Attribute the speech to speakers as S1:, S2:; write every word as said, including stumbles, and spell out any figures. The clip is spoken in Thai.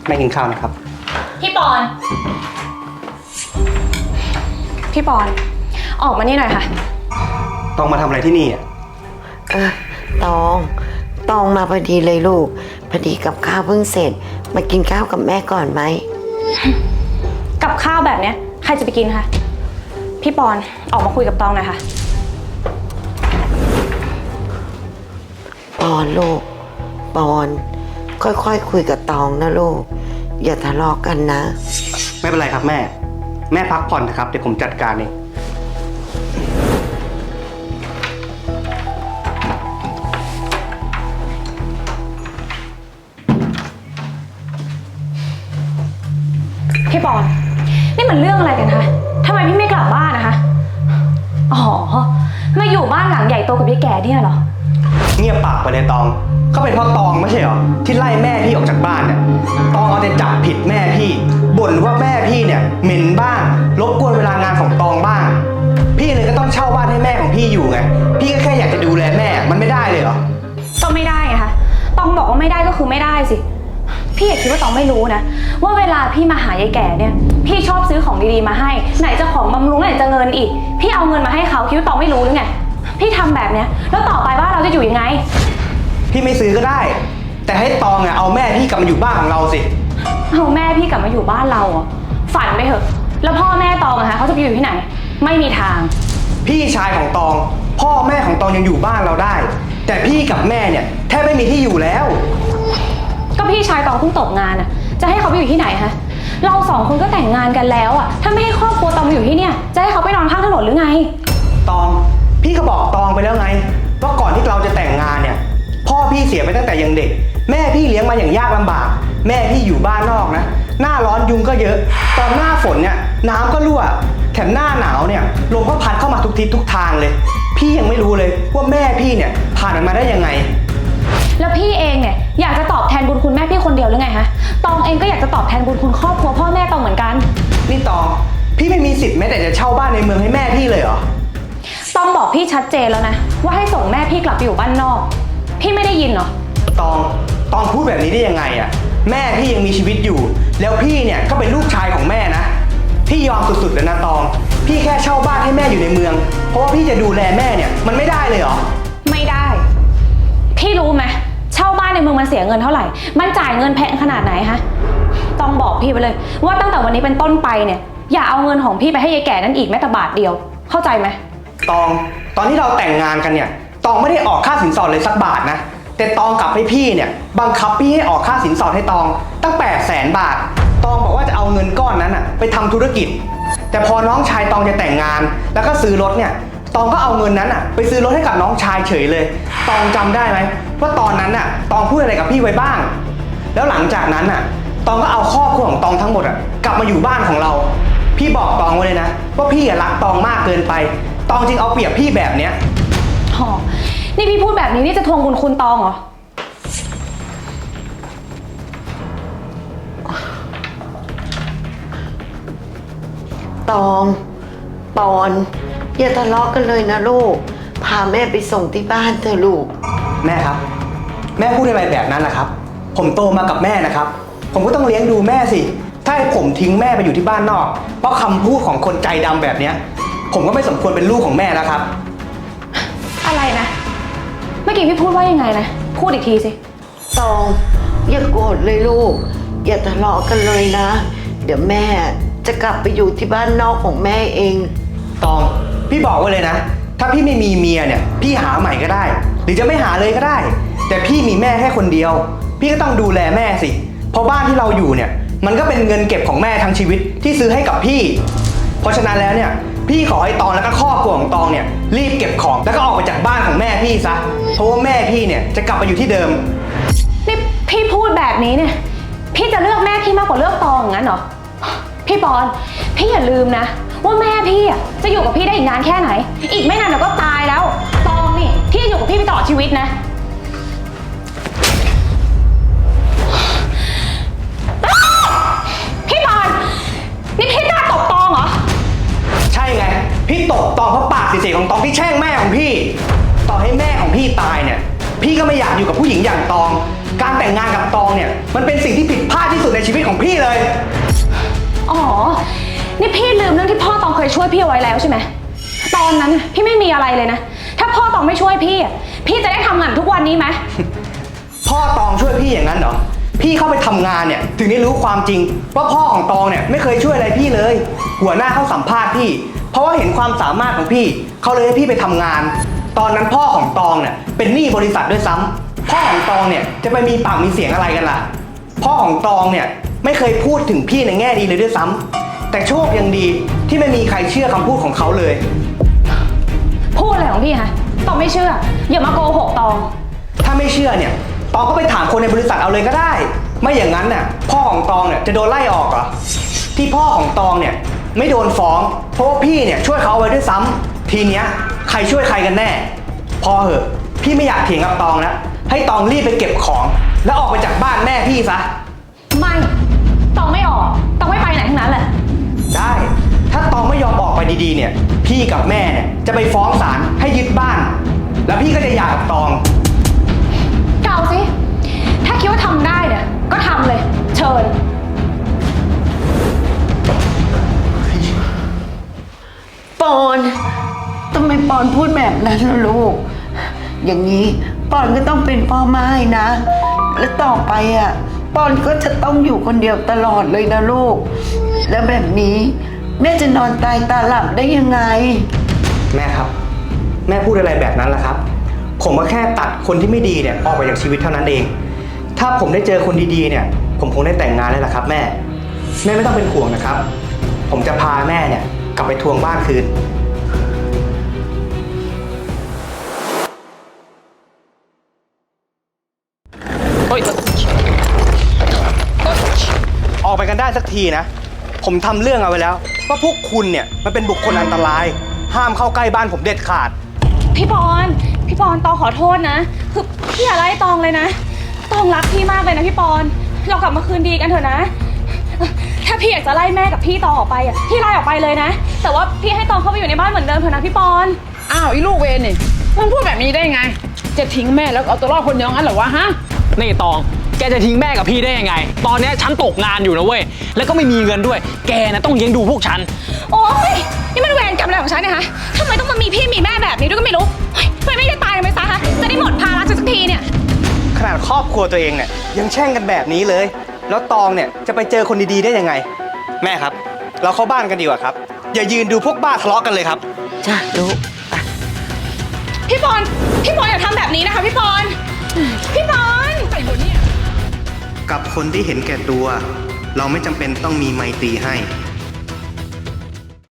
S1: แม่กินข้าวนะครับ
S2: พี่ปอน พี่ปอน ออกมานี่หน่อยค่ะ
S1: ตองมาทำอะไรที่นี่อ่ะ
S3: เออตองตองมาพอดีเลยลูกพอดีกับข้าวเพิ่งเสร็จมากินข้าวกับแม่ก่อนไหม
S2: กับข้าวแบบเนี้ยใครจะไปกินคะพี่ปอนออกมาคุยกับตองหน่อยค่ะ
S3: ปอนลูกปอนค่อยๆ ค, คุยกับตองนะลูกอย่าทะเลาะกันนะ
S1: ไม่เป็นไรครับแม่แม่พักผ่อนนะครับเดี๋ยวผมจัดการเอง
S2: พี่ปอนนี่มันเรื่องอะไรกันคะทำไมพี่ไม่กลับบ้านนะคะอ๋อมาอยู่บ้านหลังใหญ่โตกับพี่แกเนี่ยเหรอ
S1: เงียบปากไปเลยตองก็เป็นเพราะตองไม่ใช่เหรอที่ไล่แม่พี่ออกจากบ้านเนี่ยตองเอาแต่จับผิดแม่พี่บ่นว่าแม่พี่เนี่ยเหม็นบ้างรบกวนเวลางานของตองบ้างพี่เลยก็ต้องเช่าบ้านให้แม่ของพี่อยู่ไงพี่ก็แค่อยากจะดูแลแม่มันไม่ได้เลยเหรอ
S2: ก็ไม่ได้ไงคะตองบอกว่าไม่ได้ก็คือไม่ได้สิพี่อย่าคิดว่าตองไม่รู้นะว่าเวลาพี่มาหายายแก่เนี่ยพี่ชอบซื้อของดีๆมาให้ไหนจะของบำรุงไหนจะเงินอีกพี่เอาเงินมาให้เขาคิดว่าตองไม่รู้หรือไงพี่ทำแบบเนี้ยแล้วต่อไปบ้านเราจะอยู่ยังไง
S1: พี่ไม่ซื้อก็ได้แต่ให้ตองอะเอาแม่พี่กลับมาอยู่บ้านของเราสิ
S2: เอาแม่พี่กลับมาอยู่บ้านเราอ่ะฝันไปเถอะแล้วพ่อแม่ตองอะคะเขาจะไปอยู่ที่ไหนไม่มีทาง
S1: พี่ชายของตองพ่อแม่ของตองยังอยู่บ้านเราได้แต่พี่กับแม่เนี่ยแทบไม่มีที่อยู่แล้ว
S2: ก็พี่ชายตองเพิ่งตกงานอ่ะจะให้เขาไปอยู่ที่ไหนฮะเราสองคนก็แต่งงานกันแล้วอ่ะถ้าไม่ให้ครอบครัวตองมาอยู่ที่เนี่ยจะให้เขาไปนอนข้างถนนหรือไง
S1: ตองพี่ก็บอกตองไปแล้วไงว่าก่อนที่เราจะแต่งงานเนี่ยพ่อพี่เสียไปตั้งแต่ยังเด็กแม่พี่เลี้ยงมาอย่างยากลำบากแม่พี่อยู่บ้านนอกนะหน้าร้อนยุงก็เยอะตอนหน้าฝนเนี่ยน้ำก็รั่วแถมหน้าหนาวเนี่ยลมก็พัดเข้ามาทุกทิศทุกทางเลยพี่ยังไม่รู้เลยว่าแม่พี่เนี่ยผ่านมันมาได้ยังไง
S2: แล้วพี่เองเนี่ยอยากจะตอบแทนบุญคุณแม่พี่คนเดียวหรือไงฮะตองเองก็อยากจะตอบแทนบุญคุณครอบครัวพ่อแม่ตองเหมือนกัน
S1: นี่ตองพี่ไม่มีสิทธิ์แม้แต่จะเช่าบ้านในเมืองให้แม่พี่เลยเหรอ
S2: ตองบอกพี่ชัดเจนแล้วนะว่าให้ส่งแม่พี่กลับไปอยู่บ้านนอกพี่ไม่ได้ยินเหรอ
S1: ตองตองพูดแบบนี้ได้ยังไงอะแม่พี่ยังมีชีวิตอยู่แล้วพี่เนี่ยก็เป็นลูกชายของแม่นะพี่ยอมสุดๆเลยนะตองพี่แค่เช่าบ้านให้แม่อยู่ในเมืองเพราะว่าพี่จะดูแลแม่เนี่ยมันไม่ได้เลยเหรอ
S2: ไม่ได้พี่รู้ไหมเช่าบ้านในเมืองมันเสียเงินเท่าไหร่มันจ่ายเงินแพงขนาดไหนฮะต้องบอกพี่ไปเลยว่าตั้งแต่วันนี้เป็นต้นไปเนี่ยอย่าเอาเงินของพี่ไปให้ยายแก่นั่นอีกแม้แต่บาทเดียวเข้าใจไหม
S1: ตองตอนที่เราแต่งงานกันเนี่ยตองไม่ได้ออกค่าสินสอดเลยสักบาทนะแต่ตองกลับให้พี่เนี่ยบังคับพี่ให้ออกค่าสินสอดให้ตองตั้งแปดแสนบาทตองบอกว่าจะเอาเงินก้อนนั้นอะไปทำธุรกิจแต่พอน้องชายตองจะแต่งงานแล้วก็ซื้อรถเนี่ยตองก็เอาเงินนั้นอะไปซื้อรถให้กับน้องชายเฉยเลยตองจำได้ไหมว่าตอนนั้นอะตองพูดอะไรกับพี่ไว้บ้างแล้วหลังจากนั้นอะตองก็เอาครอบครัวของตองทั้งหมดอะกลับมาอยู่บ้านของเราพี่บอกตองไว้เลยนะว่าพี่รักตองมากเกินไปตองจึงเอาเปรียบพี่แบบเนี้ย
S2: อ๋อนี่พี่พูดแบบนี้นี่จะทวงบุญคุณตองเหรอ
S3: ตองปอนอย่าทะเลาะกันเลยนะลูกพาแม่ไปส่งที่บ้านเถอะลูก
S1: แม่ครับแม่พูดอะไรแบบนั้นนะครับผมโตมากับแม่นะครับผมก็ต้องเลี้ยงดูแม่สิถ้าให้ผมทิ้งแม่ไปอยู่ที่บ้านนอกเพราะคำพูดของคนใจดำแบบนี้ผมก็ไม่สมควรเป็นลูกของแม่แล้วครับ
S2: อะไรนะเมื่อกี้พี่พูดว่ายังไงนะพูดอีกทีสิ
S3: ตองอย่าโกรธเลยลูกอย่าทะเลาะกันเลยนะเดี๋ยวแม่จะกลับไปอยู่ที่บ้านนอกของแม่เอง
S1: ตองพี่บอกไว้เลยนะถ้าพี่ไม่มีเมียเนี่ยพี่หาใหม่ก็ได้หรือจะไม่หาเลยก็ได้แต่พี่มีแม่แค่คนเดียวพี่ก็ต้องดูแลแม่สิเพราะบ้านที่เราอยู่เนี่ยมันก็เป็นเงินเก็บของแม่ทั้งชีวิตที่ซื้อให้กับพี่เพราะฉะนั้นแล้วเนี่ยพี่ขอให้ตองแล้วก็ครอบครัวของตองเนี่ยรีบเก็บของแล้วก็ออกไปจากบ้านของแม่พี่ซะเพราะว่าแม่พี่เนี่ยจะกลับไปอยู่ที่เดิม
S2: นี่พี่พูดแบบนี้เนี่ยพี่จะเลือกแม่พี่มากกว่าเลือกตองงั้นเหรอพี่ปอนพี่อย่าลืมนะว่าแม่พี่อ่ะจะอยู่กับพี่ได้อีกนานแค่ไหนอีกไม่นานเดี๋ยวก็ตายแล้วตองนี่ที่จะอยู่กับพี่ไปตลอดชีวิตนะพี่ปอนนี่พี่กล้าตบตองเหรอ
S1: ใช่ไงพี่ตบตองเพราะปากเสียๆของตองที่แช่งแม่ของพี่ต่อให้แม่ของพี่ตายเนี่ยพี่ก็ไม่อยากอยู่กับผู้หญิงอย่างตองการแต่งงานกับตองเนี่ยมันเป็นสิ่งที่ผิดพลาดที่สุดในชีวิตของพี่เลย
S2: อ๋อ นี่พี่ลืมเรื่องที่พ่อตองเคยช่วยพี่เอาไว้แล้วใช่ไหม ตอนนั้นน่ะพี่ไม่มีอะไรเลยนะ ถ้าพ่อตองไม่ช่วยพี่อ่ะพี่จะได้ทำงานทุกวันนี้ไหม
S1: พ่อตองช่วยพี่อย่างนั้นเหรอ พี่เข้าไปทำงานเนี่ยถึงได้รู้ความจริงว่าพ่อของตองเนี่ยไม่เคยช่วยอะไรพี่เลย หัวหน้าเขาสัมภาษณ์พี่ เพราะว่าเห็นความสามารถของพี่เขาเลยให้พี่ไปทำงาน ตอนนั้นพ่อของตองเนี่ยเป็นหนี้บริษัทด้วยซ้ำพ่อของตองเนี่ยจะไปมีปากมีเสียงอะไรกันล่ะ พ่อของตองเนี่ยไม่เคยพูดถึงพี่ในแง่ดีเลยด้วยซ้ำแต่โชคยังดีที่ไม่มีใครเชื่อคำพูดของเขาเลย
S2: พูดอะไรของพี่ฮะ ตองไม่เชื่อ อย่ามาโกหกตอง
S1: ถ้าไม่เชื่อเนี่ยตองก็ไปถามคนในบริษัทเอาเลยก็ได้ ไม่อย่างนั้นน่ะพ่อของตองเนี่ยจะโดนไล่ออกเหรอที่พ่อของตองเนี่ยไม่โดนฟ้องเพราะว่าพี่เนี่ยช่วยเขาเอาไว้ด้วยซ้ำทีเนี้ยใครช่วยใครกันแน่พอเหอะพี่ไม่อยากเถียงกับตองแล้วให้ตองรีบไปเก็บของ แล้วออกไปจากบ้านแม่พี่ซะ
S2: ไม่ ตองไม่ออก ตองไม่ไปไหนทั้งนั้นแหละ
S1: ได้ถ้าตองไม่ยอมออกไปดีๆเนี่ยพี่กับแม่เนี่ยจะไปฟ้องศาลให้ยึดบ้าน แล้วพี่ก็จะหย่ากับตอง
S2: เก่าสิ ถ้าคิดว่าทำได้เนี่ยก็ทำเลย เชิญ
S3: ปอนทำไมปอนพูดแบบนั้นล่ะลูก อย่างนี้ปอนก็ต้องเป็นพ่อไม้นะ และต่อไปอ่ะปอนก็จะต้องอยู่คนเดียวตลอดเลยนะลูก แล้วแบบนี้แม่จะนอนตายตาหลับได้ยังไง
S1: แม่ครับ แม่พูดอะไรแบบนั้นล่ะครับ ผมก็แค่ตัดคนที่ไม่ดีเนี่ยออกไปจากชีวิตเท่านั้นเอง ถ้าผมได้เจอคนดีๆเนี่ย ผมคงได้แต่งงานแล้วล่ะครับ แม่ แม่ไม่ต้องเป็นห่วงนะครับ ผมจะพาแม่เนี่ยกลับไปทวงบ้านคืน
S4: เฮ้ย
S1: ออกไปกันได้สักทีนะ ผมทำเรื่องเอาไว้แล้วว่าพวกคุณเนี่ยมันเป็นบุคคลอันตราย ห้ามเข้าใกล้บ้านผมเด็ดขาด
S2: พี่ปอน พี่ปอนตองขอโทษนะ คือพี่อย่าไล่ตองเลยนะ ตองรักพี่มากเลยนะพี่ปอน เรากลับมาคืนดีกันเถอะนะ ถ้าพี่อยากจะไล่แม่กับพี่ตองออกไปอ่ะ พี่ไล่ออกไปเลยนะ แต่ว่าพี่ให้ตองเข้าไปอยู่ในบ้านเหมือนเดิมเถอะนะพี่ปอน
S4: อ้าวอีลูกเวรนี่มึงพูดแบบนี้ได้ไง จะทิ้งแม่แล้วเอาตัวรอดคนเดียวงั้นเหรอวะฮะ
S5: นี่ตอง แกจะทิ้งแม่กับพี่ได้ยังไง ตอนเนี้ยฉันตกงานอยู่นะเว้ย แล้วก็ไม่มีเงินด้วย แกนะต้องเลี้ยงดูพวกฉัน
S2: โอ๊ย นี่มันเวรกรรมอะไรของฉันเนี่ยฮะทำไมต้องมามีพี่มีแม่แบบนี้ด้วยก็ไม่รู้เฮ้ยทำไมไม่ได้ตายกันไปซะฮะ จะได้หมดภาระสักทีเนี่ย
S1: ขนาดครอบครัวตัวเองเนี่ยยังแช่งกันแบบนี้เลย แล้วตองเนี่ยจะไปเจอคนดีๆได้ยังไง แม่ครับ เราเข้าบ้านกันดีกว่าครับ อย่ายืนดูพวกบ้าทะเลาะกันเลยครับ
S3: จ้ะลูก
S2: พี่ปอน พี่ปอนอย่าทำแบบนี้นะคะพี่ปอน พี่ปอน
S1: กับคนที่เห็นแก่ตัว เราไม่จำเป็นต้องมีไมตรีให้